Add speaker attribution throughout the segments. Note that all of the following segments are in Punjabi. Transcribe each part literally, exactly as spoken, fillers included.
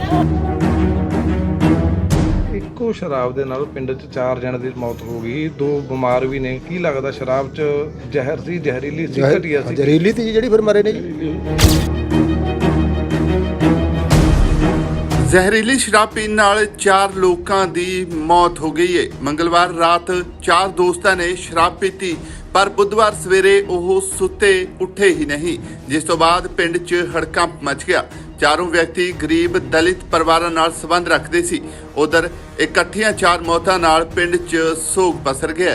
Speaker 1: ਇੱਕੋ ਸ਼ਰਾਬ ਦੇ ਨਾਲ ਪਿੰਡ 'ਚ ਚਾਰ ਜਣੇ ਦੀ ਮੌਤ ਹੋ ਗਈ, ਦੋ ਬਿਮਾਰ ਵੀ ਨੇ। ਕੀ ਲੱਗਦਾ ਸ਼ਰਾਬ 'ਚ ਜ਼ਹਿਰ ਸੀ, ਜ਼ਹਿਰੀਲੀ ਸੀ, ਘਟੀਆ ਸੀ?
Speaker 2: ਜ਼ਹਿਰੀਲੀ ਸੀ ਜਿਹੜੀ ਫਿਰ ਮਰੇ ਨੇ ਜੀ।
Speaker 3: ਜ਼ਹਿਰੀਲੀ ਸ਼ਰਾਬ ਪੀਣ ਨਾਲ ਚਾਰ ਲੋਕਾਂ ਦੀ ਮੌਤ ਹੋ ਗਈ ਹੈ। ਮੰਗਲਵਾਰ ਰਾਤ ਚਾਰ ਦੋਸਤਾਂ ਨੇ ਸ਼ਰਾਬ ਪੀਤੀ, ਪਰ ਬੁੱਧਵਾਰ ਸਵੇਰੇ ਉਹ ਸੁੱਤੇ ਉੱਠੇ ਹੀ ਨਹੀਂ, ਜਿਸ ਤੋਂ ਬਾਅਦ ਪਿੰਡ 'ਚ ਹੜਕੰਪ ਮਚ ਗਿਆ। ਚਾਰੋਂ ਵਿਅਕਤੀ ਗਰੀਬ ਦਲਿਤ ਪਰਿਵਾਰਾਂ ਨਾਲ ਸੰਬੰਧ ਰੱਖਦੇ ਸੀ। ਉਧਰ ਇਕੱਠੀਆਂ ਚਾਰ ਮੌਤਾਂ ਨਾਲ ਪਿੰਡ 'ਚ ਸੋਗ ਪਸਰ ਗਿਆ।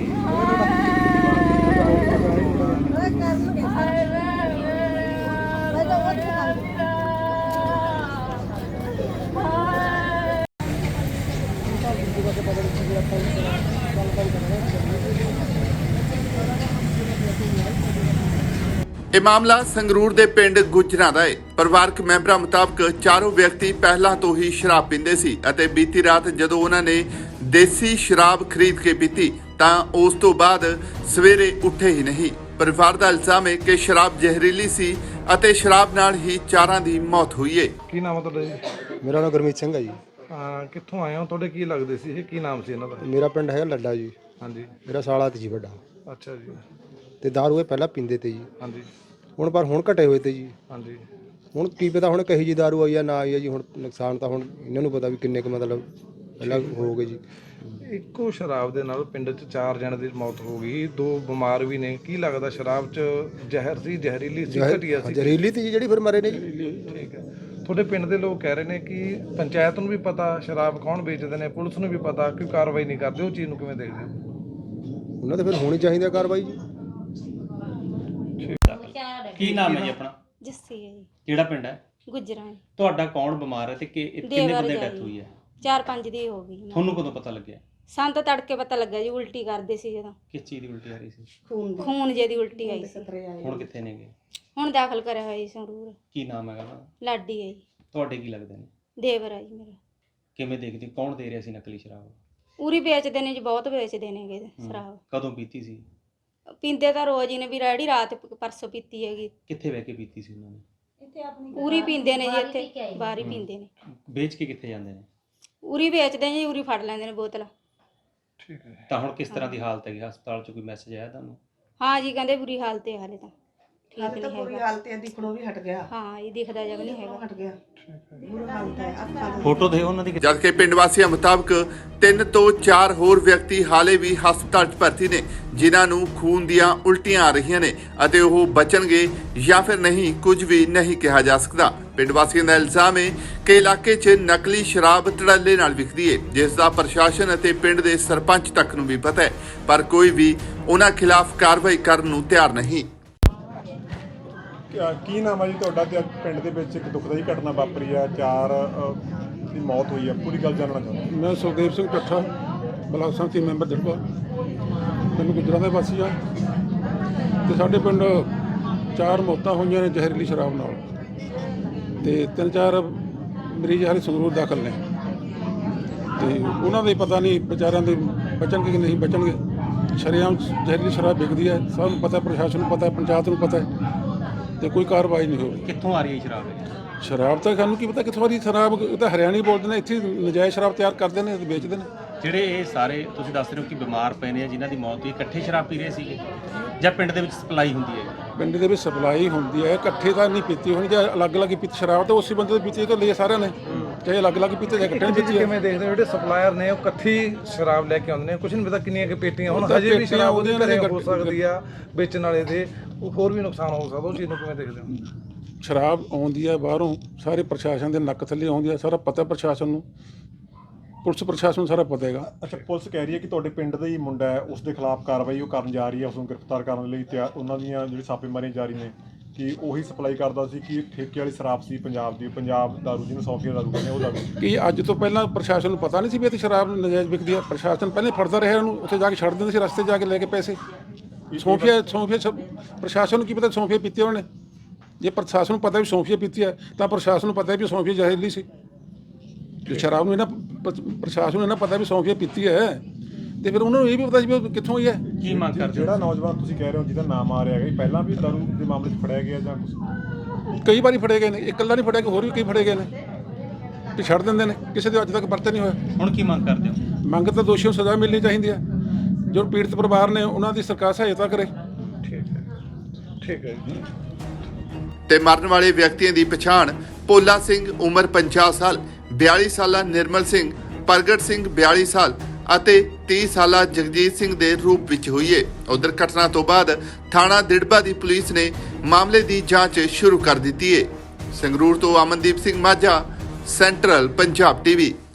Speaker 3: ਇਹ ਮਾਮਲਾ ਸੰਗਰੂਰ ਦੇ ਪਿੰਡ ਗੁਜਰਾਂ ਦਾ ਹੈ। ਪਰਿਵਾਰਕ ਮੈਂਬਰਾਂ ਮੁਤਾਬਕ ਚਾਰੋਂ ਵਿਅਕਤੀ ਪਹਿਲਾਂ ਤੋਂ ਹੀ ਸ਼ਰਾਬ ਪੀਂਦੇ ਸੀ ਅਤੇ ਬੀਤੀ ਰਾਤ ਜਦੋਂ ਉਹਨਾਂ ਨੇ ਦੇਸੀ ਸ਼ਰਾਬ ਖਰੀਦ ਕੇ ਪੀਤੀ ਤਾਂ ਉਸ ਤੋਂ ਬਾਅਦ ਸਵੇਰੇ ਉੱਠੇ ਹੀ ਨਹੀਂ। ਪਰਿਵਾਰ ਦਾ ਇਲਜ਼ਾਮ ਹੈ ਕਿ ਸ਼ਰਾਬ ਜ਼ਹਿਰੀਲੀ ਸੀ ਅਤੇ ਸ਼ਰਾਬ ਨਾਲ ਹੀ ਚਾਰਾਂ ਦੀ ਮੌਤ ਹੋਈ ਹੈ।
Speaker 1: ਕੀ ਨਾਮ ਹੈ ਤੁਹਾਡਾ ਜੀ?
Speaker 2: ਮੇਰਾ ਨਾਮ ਗੁਰਮੀਤ ਸਿੰਘ ਹੈ ਜੀ।
Speaker 1: ਹਾਂ, ਕਿੱਥੋਂ ਆਏ ਹੋ? ਤੁਹਾਡੇ ਕੀ ਲੱਗਦੇ ਸੀ ਇਹ? ਕੀ ਨਾਮ ਸੀ ਇਹਨਾਂ ਦਾ?
Speaker 2: ਮੇਰਾ ਪਿੰਡ ਹੈਗਾ ਲੱਡਾ ਜੀ।
Speaker 1: ਹਾਂਜੀ।
Speaker 2: ਮੇਰਾ ਸਾਲਾ ਤੇ ਜੀ ਵੱਡਾ।
Speaker 1: ਅੱਛਾ ਜੀ।
Speaker 2: ਤੇ ਦਾਰੂ ਇਹ ਪਹਿਲਾਂ ਪੀਂਦੇ ਤੇ ਜੀ।
Speaker 1: ਹਾਂਜੀ।
Speaker 2: ਹੁਣ ਪਰ ਹੁਣ ਘਟੇ ਹੋਏ ਤੇ ਜੀ।
Speaker 1: ਹਾਂਜੀ।
Speaker 2: ਹੁਣ ਕੀ ਪਤਾ ਹੁਣ ਕਹੀ ਜੀ ਦਾਰੂ ਆਈ ਆ ਨਾ ਆਈ ਆ ਜੀ। ਹੁਣ ਨੁਕਸਾਨ ਤਾਂ ਹੁਣ ਇਹਨਾਂ ਨੂੰ ਪਤਾ ਵੀ ਕਿੰਨੇ ਕੁ ਮਤਲਬ ਪਹਿਲਾਂ ਹੋ ਗਏ ਜੀ।
Speaker 1: ਇੱਕੋ ਸ਼ਰਾਬ ਦੇ ਨਾਲ ਪਿੰਡ 'ਚ ਚਾਰ ਜਣੇ ਦੀ ਮੌਤ ਹੋ ਗਈ, ਦੋ ਬਿਮਾਰ ਵੀ ਨੇ। ਕੀ ਲੱਗਦਾ ਸ਼ਰਾਬ 'ਚ ਜ਼ਹਿਰ ਸੀ, ਜ਼ਹਿਰੀਲੀ ਸੀ, ਘਟੀਆ ਸੀ?
Speaker 2: ਜ਼ਹਿਰੀਲੀ ਸੀ ਜਿਹੜੀ ਫਿਰ ਮਰੇ ਨੇ ਜੀ।
Speaker 1: ਠੀਕ ਹੈ। ਤੁਹਾਡੇ ਪਿੰਡ ਦੇ ਲੋਕ ਕਹਿ ਰਹੇ ਨੇ ਕਿ ਪੰਚਾਇਤ ਨੂੰ ਵੀ ਪਤਾ ਸ਼ਰਾਬ ਕੌਣ ਵੇਚਦੇ ਨੇ, ਪੁਲਿਸ ਨੂੰ ਵੀ ਪਤਾ, ਕਿ ਕਾਰਵਾਈ ਨਹੀਂ ਕਰਦੇ। ਉਹ ਚੀਜ਼ ਨੂੰ ਕਿਵੇਂ ਦੇਖਦੇ ਹੋ?
Speaker 2: ਉਹਨਾਂ ਤੇ ਫਿਰ ਹੋਣੀ ਚਾਹੀਦੀ ਆ ਕਾਰਵਾਈ ਜੀ।
Speaker 4: ਕੀ ਨਾਮ ਹੈ ਜੀ ਆਪਣਾ?
Speaker 5: ਜੱਸੀ ਹੈ ਜੀ।
Speaker 4: ਕਿਹੜਾ ਪਿੰਡ ਹੈ?
Speaker 5: ਗੁਜਰਾਂ ਹੈ।
Speaker 4: ਤੁਹਾਡਾ ਕੌਣ ਬਿਮਾਰ ਹੈ ਤੇ ਕਿ ਕਿੰਨੇ ਬੰਦੇ ਡੈਥ ਹੋਈ ਹੈ?
Speaker 5: ਚਾਰ ਪੰਜ ਦੀ ਹੋ ਗਈ।
Speaker 4: ਤੁਹਾਨੂੰ ਕਦੋਂ ਪਤਾ ਲੱਗਿਆ?
Speaker 5: ਸਾਨੂੰ ਤਾਂ ਤੜਕੇ ਪਤਾ ਲੱਗਾ ਜੀ, ਉਲਟੀ ਕਰਦੇ ਸੀ ਜਦੋਂ।
Speaker 4: ਕਿਸ ਚੀਜ਼ ਦੀ ਉਲਟੀ ਆ ਰਹੀ ਸੀ?
Speaker 5: ਖੂਨ ਜੇ ਦੀ ਉਲਟੀ ਆਈ ਸੀ।
Speaker 4: ਹੁਣ ਕਿੱਥੇ ਨੇਗੇ?
Speaker 5: ਹੁਣ ਦਾਖਲ ਕਰਿਆ ਹੋਇਆ ਜੀ ਸੰਗਰੂਰ।
Speaker 4: ਕੀ ਨਾਮ ਹੈਗਾ ਉਹਨਾਂ ਦਾ?
Speaker 5: ਲਾਡੀ ਹੈ ਜੀ।
Speaker 4: ਤੁਹਾਡੇ ਕੀ ਲੱਗਦੇ ਨੇ?
Speaker 5: ਦੇਵਰ ਹੈ ਜੀ ਮੇਰਾ।
Speaker 4: ਕਿਵੇਂ ਦੇਖਦੇ, ਕੌਣ ਦੇ ਰਿਹਾ ਸੀ ਨਕਲੀ ਸ਼ਰਾਬ?
Speaker 5: ਉਰੀ ਵੇਚਦੇ ਨੇ ਜੀ, ਬਹੁਤ ਵੇਚਦੇ ਨੇਗੇ ਸ਼ਰਾਬ।
Speaker 4: ਕਦੋਂ ਪੀਤੀ ਸੀ?
Speaker 5: ਪੀਂਦੇ ਤਾਂ ਰੋਜ਼ ਹੀ ਨੇ ਵੀ, ਰੈਡੀ ਰਾਤ ਪਰਸੋਂ ਪੀਤੀ ਹੈਗੀ।
Speaker 4: ਕਿੱਥੇ ਬਹਿ ਕੇ ਪੀਤੀ ਸੀ ਉਹਨਾਂ ਨੇ?
Speaker 5: ਉਰੀ ਪੀਂਦੇ ਨੇ ਜੀ, ਇੱਥੇ ਬਾਹਰ ਹੀ ਪੀਂਦੇ ਨੇ।
Speaker 4: ਵੇਚ ਕੇ ਕਿੱਥੇ ਜਾਂਦੇ ਨੇ?
Speaker 5: ਉਰੀ ਵੇਚਦੇ ਜੀ, ਉਰੀ ਫੜ ਲੈਂਦੇ ਨੇ ਬੋਤਲ।
Speaker 1: ਠੀਕ ਹੈ।
Speaker 4: ਤਾਂ ਹੁਣ ਕਿਸ ਤਰ੍ਹਾਂ ਦੀ ਹਾਲਤ ਹੈਗੀ? ਹਸਪਤਾਲ 'ਚ ਕੋਈ ਮੈਸੇਜ ਆਇਆ ਤੁਹਾਨੂੰ?
Speaker 5: ਹਾਂ ਜੀ, ਕਹਿੰਦੇ ਬੁਰੀ ਹਾਲਤ ਹੈ ਹਾਲੇ ਤਾਂ। ਠੀਕ ਨਹੀਂ ਹੈਗਾ।
Speaker 6: ਬੁਰੀ ਹਾਲਤ ਹੈ, ਦਿਖਣੋਂ ਵੀ ਹਟ ਗਿਆ।
Speaker 5: ਹਾਂ, ਇਹ ਦਿਖਦਾ ਜਗ ਨਹੀਂ ਹੈਗਾ।
Speaker 6: ਹਟ ਗਿਆ। ਬੁਰੀ ਹਾਲਤ ਹੈ, ਅੱਖਾਂ ਤੋਂ।
Speaker 4: ਫੋਟੋ ਦੇ ਉਹਨਾਂ ਦੀ।
Speaker 3: ਜਦਕਿ ਪਿੰਡ ਵਾਸੀਆਂ ਮੁਤਾਬਕ ਤਿੰਨ ਤੋਂ ਚਾਰ ਹੋਰ ਵਿਅਕਤੀ ਹਾਲੇ ਵੀ ਹਸਪਤਾਲ 'ਚ ਭਰਤੀ ਨੇ, ਜਿਨ੍ਹਾਂ ਨੂੰ ਖੂਨ ਦੀਆਂ ਉਲਟੀਆਂ ਆ ਰਹੀਆਂ ਨੇ ਅਤੇ ਉਹ ਬਚਣਗੇ ਜਾਂ ਫਿਰ ਨਹੀਂ, ਕੁਝ ਵੀ ਨਹੀਂ ਕਿਹਾ ਜਾ ਸਕਦਾ। ਪਿੰਡ ਵਾਸੀਆਂ ਦਾ ਇਲਜ਼ਾਮ ਹੈ ਕਿ ਇਲਾਕੇ 'ਚ ਨਕਲੀ ਸ਼ਰਾਬ ਧੜੱਲੇ ਨਾਲ ਵਿਕਦੀ ਹੈ, ਜਿਸ ਦਾ ਪ੍ਰਸ਼ਾਸਨ ਅਤੇ ਪਿੰਡ ਦੇ ਸਰਪੰਚ ਤੱਕ ਨੂੰ ਵੀ ਪਤਾ ਹੈ, ਪਰ ਕੋਈ ਵੀ ਉਹਨਾਂ ਖਿਲਾਫ ਕਾਰਵਾਈ ਕਰਨ ਨੂੰ ਤਿਆਰ ਨਹੀਂ।
Speaker 7: ਕੀ ਨਾਮ ਹੈ ਜੀ ਤੁਹਾਡਾ? ਤੇ ਪਿੰਡ ਦੇ ਵਿੱਚ ਇੱਕ ਦੁਖਦਾਈ ਘਟਨਾ ਵਾਪਰੀ ਆ, ਚਾਰ ਦੀ ਮੌਤ ਹੋਈ ਆ, ਪੂਰੀ ਗੱਲ ਜਾਣਨਾ ਚਾਹੁੰਦਾ।
Speaker 8: ਮੈਂ ਸੁਖਦੇਵ ਸਿੰਘ ਕੱਠਾ, ਬਲਾਕ ਸੰਮਤੀ ਮੈਂਬਰ ਜੜਵਾ, ਪਿੰਡ ਗੁਜਰਾਂ ਦੇ ਵਾਸੀ ਆ। ਤੇ ਸਾਡੇ ਪਿੰਡ ਚਾਰ ਮੌਤਾਂ ਹੋਈਆਂ ਨੇ ਜ਼ਹਿਰੀਲੀ ਸ਼ਰਾਬ ਨਾਲ, ਤੇ ਤਿੰਨ ਚਾਰ ਮਰੀਜ਼ ਹਾਲੇ ਸੰਗਰੂਰ ਦਾਖਲ ਨੇ। ਤੇ ਉਹਨਾਂ ਦੇ ਪਤਾ ਨਹੀਂ ਵਿਚਾਰਿਆਂ ਦੇ ਬਚਣਗੇ ਕਿ ਨਹੀਂ ਬਚਣਗੇ। ਸ਼ਰੇਆਮ ਜ਼ਹਿਰੀਲੀ ਸ਼ਰਾਬ ਵਿਕਦੀ ਹੈ, ਸਭ ਨੂੰ ਪਤਾ, ਪ੍ਰਸ਼ਾਸਨ ਨੂੰ ਪਤਾ, ਪੰਚਾਇਤ ਨੂੰ ਪਤਾ ਹੈ, ਤੇ ਕੋਈ ਕਾਰਵਾਈ ਨਹੀਂ ਹੋ ਰਹੀ।
Speaker 4: ਕਿੱਥੋਂ ਆ ਰਹੀ ਹੈ ਸ਼ਰਾਬ?
Speaker 8: ਸ਼ਰਾਬ ਤਾਂ ਸਾਨੂੰ ਕੀ ਪਤਾ ਕਿੱਥੋਂ ਆ ਰਹੀ ਸ਼ਰਾਬ। ਇਹ ਤਾਂ ਹਰਿਆਣੀ ਬੋਲਦੇ ਨੇ, ਇੱਥੇ ਨਜਾਇਜ਼ ਸ਼ਰਾਬ ਤਿਆਰ ਕਰਦੇ ਨੇ ਤੇ ਵੇਚਦੇ ਨੇ।
Speaker 4: ਜਿਹੜੇ ਇਹ ਸਾਰੇ ਤੁਸੀਂ ਦੱਸ ਰਹੇ ਹੋ ਕਿ ਬਿਮਾਰ ਪਏ ਨੇ, ਜਿਨ੍ਹਾਂ ਦੀ ਮੌਤ ਹੋਈ, ਇਕੱਠੇ ਸ਼ਰਾਬ ਪੀ ਰਹੇ ਸੀਗੇ ਜਾਂ ਪਿੰਡ ਦੇ ਵਿੱਚ ਸਪਲਾਈ ਹੁੰਦੀ ਹੈ?
Speaker 8: ਪਿੰਡ ਦੇ ਵਿੱਚ ਸਪਲਾਈ ਹੁੰਦੀ ਹੈ, ਇਕੱਠੇ ਤਾਂ ਨਹੀਂ ਪੀਤੀ ਹੋਣੀ। ਜੇ ਅਲੱਗ-ਅਲੱਗ ਹੀ ਪੀਤੀ ਸ਼ਰਾਬ ਤਾਂ ਉਸੇ ਬੰਦੇ ਤੋਂ ਪੀਤੀ ਤਾਂ ਲਈ ਸਾਰਿਆਂ ਨੇ, ਚਾਹੇ ਅਲੱਗ-ਅਲੱਗ ਪੀਤੇ ਜਾਂ ਇਕੱਠੇ ਪੀਤੀ।
Speaker 1: ਕਿਵੇਂ ਦੇਖਦੇ ਹੋ ਜਿਹੜੇ ਸਪਲਾਇਰ ਨੇ ਉਹ ਇਕੱਠੀ ਸ਼ਰਾਬ ਲੈ ਕੇ ਆਉਂਦੇ ਨੇ? ਕੁਝ ਨਹੀਂ ਪਤਾ ਕਿੰਨੀਆਂ ਕਿ ਪੇਟੀਆਂ ਹੁਣ ਹਜੇ ਵੀ ਸ਼ਰਾਬ ਉਹਦੇ ਘਰੇ ਹੋ ਸਕਦੀ ਆ, ਵੇਚਣ ਵਾਲੇ ਦੇ ਉਹ ਹੋਰ ਵੀ ਨੁਕਸਾਨ ਹੋ ਸਕਦਾ। ਉਹ ਚੀਜ਼ ਨੂੰ ਕਿਵੇਂ ਦੇਖਦੇ ਹੋ?
Speaker 8: ਸ਼ਰਾਬ ਆਉਂਦੀ ਹੈ ਬਾਹਰੋਂ, ਸਾਰੇ ਪ੍ਰਸ਼ਾਸਨ ਦੇ ਨੱਕ ਥੱਲੇ ਆਉਂਦੀ ਹੈ, ਸਾਰਾ ਪਤਾ ਪ੍ਰਸ਼ਾਸਨ ਨੂੰ, ਪੁਲਿਸ ਪ੍ਰਸ਼ਾਸਨ ਨੂੰ ਸਾਰਾ ਪਤਾ ਹੈਗਾ।
Speaker 7: ਅੱਛਾ, ਪੁਲਿਸ ਕਹਿ ਰਹੀ ਹੈ ਕਿ ਤੁਹਾਡੇ ਪਿੰਡ ਦਾ ਹੀ ਮੁੰਡਾ ਹੈ, ਉਸ ਦੇ ਖਿਲਾਫ ਕਾਰਵਾਈ ਉਹ ਕਰਨ ਜਾ ਰਹੀ ਹੈ, ਉਸ ਨੂੰ ਗ੍ਰਿਫਤਾਰ ਕਰਨ ਲਈ ਤਿਆਰ, ਉਹਨਾਂ ਦੀਆਂ ਜਿਹੜੀ ਛਾਪੇਮਾਰੀਆਂ ਜਾਰੀ ਨੇ, ਕਿ ਉਹੀ ਸਪਲਾਈ ਕਰਦਾ ਸੀ, ਕਿ ਠੇਕੇ ਵਾਲੀ ਸ਼ਰਾਬ ਸੀ ਪੰਜਾਬ ਦੀ, ਪੰਜਾਬ ਦਾਰੂ ਜਿਹਨੂੰ ਸੌਫੀਆ ਦਾਰੂ ਕਹਿੰਦੇ ਉਹ ਦਾਰੂ।
Speaker 8: ਕਿ ਅੱਜ ਤੋਂ ਪਹਿਲਾਂ ਪ੍ਰਸ਼ਾਸਨ ਨੂੰ ਪਤਾ ਨਹੀਂ ਸੀ ਵੀ ਇੱਥੇ ਸ਼ਰਾਬ ਨਜਾਇਜ਼ ਵਿਕਦੀ ਹੈ? ਪ੍ਰਸ਼ਾਸਨ ਪਹਿਲੇ ਫੜਦਾ ਰਿਹਾ ਉਹਨੂੰ, ਉੱਥੇ ਜਾ ਕੇ ਛੱਡ ਦਿੰਦੇ ਸੀ, ਰਸਤੇ ਜਾ ਕੇ ਲੈ ਕੇ ਪੈਸੇ। ਸੌਂਫੀਆ ਸੌਂਫੀਆ ਪ੍ਰਸ਼ਾਸਨ ਨੂੰ ਕੀ ਪਤਾ ਸੌਂਫੀਆ ਪੀਤੀ ਉਹਨੇ? ਜੇ ਪ੍ਰਸ਼ਾਸਨ ਨੂੰ ਪਤਾ ਵੀ ਸੌਂਫੀਆ ਪੀਤੀ ਹੈ ਤਾਂ ਪ੍ਰਸ਼ਾਸਨ ਨੂੰ ਪਤਾ ਵੀ ਸੌਂਫੀਆ ਜ਼ਹਿਰੀਲੀ ਸੀ। ਜੇ ਸ਼ਰਾਬ ਨੂੰ ਇਹਨਾਂ ਪ੍ਰਸ਼ਾਸਨ ਨੂੰ ਇਹਨਾਂ ਪਤਾ ਵੀ ਸੌਂਫੀਆ ਪੀਤੀ ਹੈ, ਤੇ ਫਿਰ ਉਹਨਾਂ ਨੂੰ ਇਹ ਵੀ ਪਤਾ ਸੀ ਵੀ ਕਿੱਥੋਂ ਹੋਈ ਹੈ।
Speaker 4: ਕੀ ਮੰਗ ਕਰਦੇ?
Speaker 7: ਜਿਹੜਾ ਨੌਜਵਾਨ ਤੁਸੀਂ ਕਹਿ ਰਹੇ ਹੋ ਜਿਹਦਾ ਨਾਮ ਆ ਰਿਹਾ ਹੈ, ਪਹਿਲਾਂ ਵੀ ਦਾਰੂ ਦੇ ਮਾਮਲੇ 'ਚ ਫੜਿਆ ਗਿਆ ਜਾਂ ਕੁਝ?
Speaker 8: ਕਈ ਵਾਰੀ ਫੜੇ ਗਏ ਨੇ, ਇਕੱਲਾ ਨਹੀਂ ਫੜਿਆ, ਕਿ ਹੋਰ ਵੀ ਕਈ ਫੜੇ ਗਏ ਨੇ। ਵੀ ਛੱਡ ਦਿੰਦੇ ਨੇ, ਕਿਸੇ ਦੇ ਅੱਜ ਤੱਕ ਪਰਚਾ ਨਹੀਂ ਹੋਇਆ।
Speaker 4: ਹੁਣ ਕੀ ਮੰਗ ਕਰਦੇ ਹੋ?
Speaker 8: ਮੰਗ ਤਾਂ ਦੋਸ਼ੀਆਂ ਨੂੰ ਸਜ਼ਾ ਮਿਲਣੀ ਚਾਹੀਦੀ ਹੈ, ਜੋ ਪੀੜਤ ਪਰਿਵਾਰ ਨੇ ਉਹਨਾਂ ਦੀ ਸਰਕਾਰ ਸਹਾਇਤਾ ਕਰੇ।
Speaker 1: ਠੀਕ ਹੈ ਠੀਕ ਹੈ ਜੀ।
Speaker 3: ਤੇ ਮਰਨ ਵਾਲੇ ਵਿਅਕਤੀਆਂ ਦੀ ਪਛਾਣ ਭੋਲਾ ਸਿੰਘ ਉਮਰ ਪੰਜਾਹ ਸਾਲ, ਬਿਆਲੀ ਸਾਲਾ ਨਿਰਮਲ ਸਿੰਘ, ਪ੍ਰਗਟ ਸਿੰਘ ਬਿਆਲੀ ਸਾਲ ਅਤੇ ਤੀਹ ਸਾਲਾ ਜਗਜੀਤ ਸਿੰਘ ਦੇ ਰੂਪ ਵਿੱਚ ਹੋਈ ਹੈ। ਉਧਰ ਘਟਨਾ ਤੋਂ ਬਾਅਦ ਥਾਣਾ ਦਿੜਬਾ ਦੀ ਪੁਲਿਸ ਨੇ ਮਾਮਲੇ ਦੀ ਜਾਂਚ ਸ਼ੁਰੂ ਕਰ ਦਿੱਤੀ ਹੈ। ਸੰਗਰੂਰ ਤੋਂ ਅਮਨਦੀਪ ਸਿੰਘ ਮਾਝਾ, ਸੈਂਟਰਲ ਪੰਜਾਬ ਟੀਵੀ।